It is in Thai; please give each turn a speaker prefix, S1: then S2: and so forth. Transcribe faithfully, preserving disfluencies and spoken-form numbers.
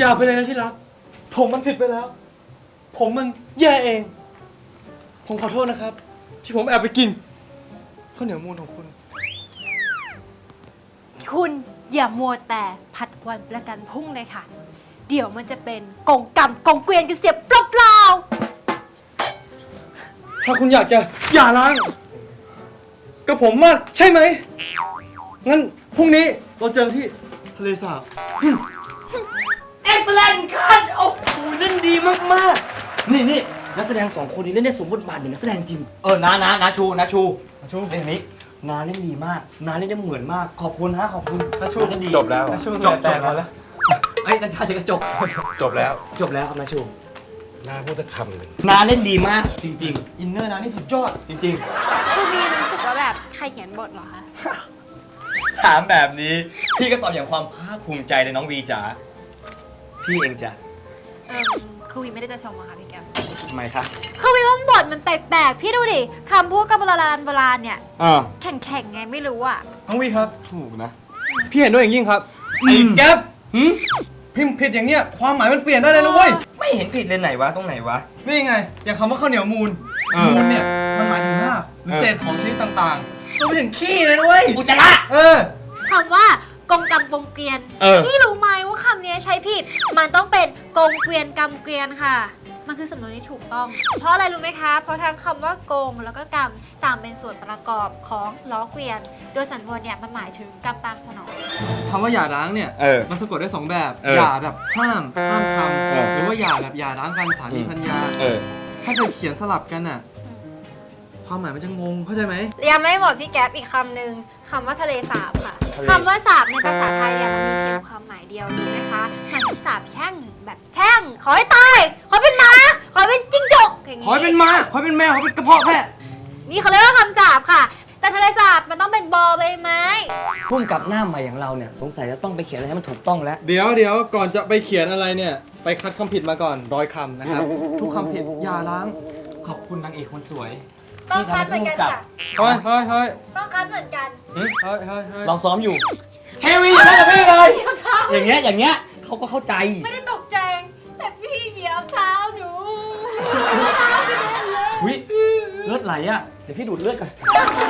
S1: อย่าไปเลยนะที่รักผมมันผิดไปแล้วผมมันแย่เองผมขอโทษนะครับที่ผมแอบไปกินข้าวเหนียวมูนของคุณ
S2: คุณอย่ามัวแต่ผัดวันประกันพรุ่งเลยค่ะเดี๋ยวมันจะเป็นกงกรรมกงเกวียนกันเสียเปล่าๆ
S1: ถ้าคุณอยากจะหย่าร้างกับผมมากใช่ไหมงั้นพรุ่งนี้เราเจอที่ทะเลสาบ
S3: Excellent คัทโอ้โหเล่นดีมากๆนี่นี่นักแสดงสองคนนี้เล่นได้สมบทบาทเหมือนนักแสดงจริงเออนานานาชูนาชูนาชูเล่นนี้นาเล่นดีมากนาเล่นได้เหมือนมากขอบคุณฮะขอบคุณ
S1: นาชู
S3: เล่นดี
S1: จบแล้วนาชูจบจบแล้ว
S3: ไอ้ยนาชาจะกระจก
S4: จบแล้ว
S3: จบแล้วครับนาชู
S4: น่าพูดสักคำหนึ่ง
S3: นาเล่นดีมากจริง
S1: อินเนอร์นะนี่สุดยอด
S3: ๆ จริง
S2: คือมีรู้สึกว่าแบบใครเขียนบทเหรอคะ
S3: ๆ ถามแบบนี้พี่ก็ตอบอย่างความภาคภูมิใจเลยน้องวีจ๋าพี่เองจ้ะ
S2: เออคือวีไม่ได้จะชมอะค่ะพี่แก้ม
S3: ทำไมคะ
S2: คือวีว่าบทมันแปลกๆพี่ดูดิคำพูดกับโบราณโบราณเนี่ย
S1: อ่า
S2: แข็งๆไงไม่รู้อะ
S1: น้องวีครับ
S3: ถูกนะ
S1: พี่เห็นด้วยอย่างยิ่งครับไอ้แก๊ป
S3: หืม
S1: พิมพ์ผิดอย่างเนี้ยความหมายมันเปลี่ยนได้เลยนะเว้ย
S3: ไม่เห็นผิดเลยไหนวะตรงไหนวะ
S1: นี่ไง อย่างคำว่าข้าวเหนียวมูล
S3: เออ
S1: มูลเนี่ยมันหมายถึงรากหรือ
S3: เออ
S1: เศษของชนิดต่างๆรวมไปถึงขี้เลยนะเว้ย
S3: อุจจาระ
S1: เออ
S2: คำว่ากงกรรมกงเกวียน
S3: เออ
S2: พี่รู้ไหมว่าคำนี้ใช้ผิด มันต้องเป็นกงเกวียนกรรมเกวียนค่ะ มันคือสำนวนที่ถูกต้อง เพราะอะไรรู้ไหมคะ เพราะทั้งคำว่ากงแล้วก็กรรมต่างเป็นส่วนประกอบของล้อเกวียน โดยสำนวนเนี่ยมันหมายถึงกรรมตามสนอง
S1: คำว่าหย่าร้างเนี่ย
S3: เออ
S1: มันสะกดได้สองแบบ
S3: เออ
S1: หย่าแบบห้าม ห้ามท
S3: เออ
S1: ำหรือว่าหย่าแบบหย่าร้างกันสามี
S3: อืม
S1: ภรรยา
S3: เออ
S1: ถ้าเกิดเขียนสลับกันน่ะ ความหมายมันจะงง เข้าใจไหม
S2: ยังไม่หมดพี่แก๊ปอีกคำหนึ่งคำว่าทะเลสาบค่ะ
S3: ทะเล
S2: คำว่าสาบในภาษาไทยเนี่ยมันมีเพียงความหมายเดียวรู้ไหมคะมันคือสาบแช่งแบบแช่งขอให้ตายขอเป็นหมาขอเป็นจิ้งจกอย่าง
S1: ขอให้เป็นม้าขอให้เป็นแมวขอให้เป็นกระเพาะแพะ
S2: นี่เขาเรียกว่าคำสาบค่ะ แต่ทะเลสาบมันต้องเป็นบอใบไม้
S3: พุ่มกับหน้าใหม่อย่างเราเนี่ยสงสัยจะต้องไปเขียนอะไรให้มันถูกต้องแล้ว
S1: เดี๋ยวเดี๋ยวก่อนจะไปเขียนอะไรเนี่ย ไปคัดคำผิดมาก่อนร้อยคำนะครับ ทุกคำผิดหย่าร้าง
S3: ขอบคุณนางเอกคนสวย
S2: ต้องคัดเหมือนกันค่ะ
S1: เฮ้ยเฮ้ยเฮ้ย
S2: ต้องคัดเหมือนกัน
S1: เฮ้ยเฮ้ยเฮ้ยเฮ้ย
S3: ลองซ้อมอยู่เฮวีอย่างนั้นกับพี่เลย อย่างเงี้ยอย่างเงี้ยเขาก็เข้าใจ
S2: ไม่ได้ตกใจแต่พี่เหยียบเท้าหนูเท้ากระเด็นเลย
S3: วิเลือดไหลอ่ะ เดี๋ยวพี่ดูดเลือดก่อน
S2: เ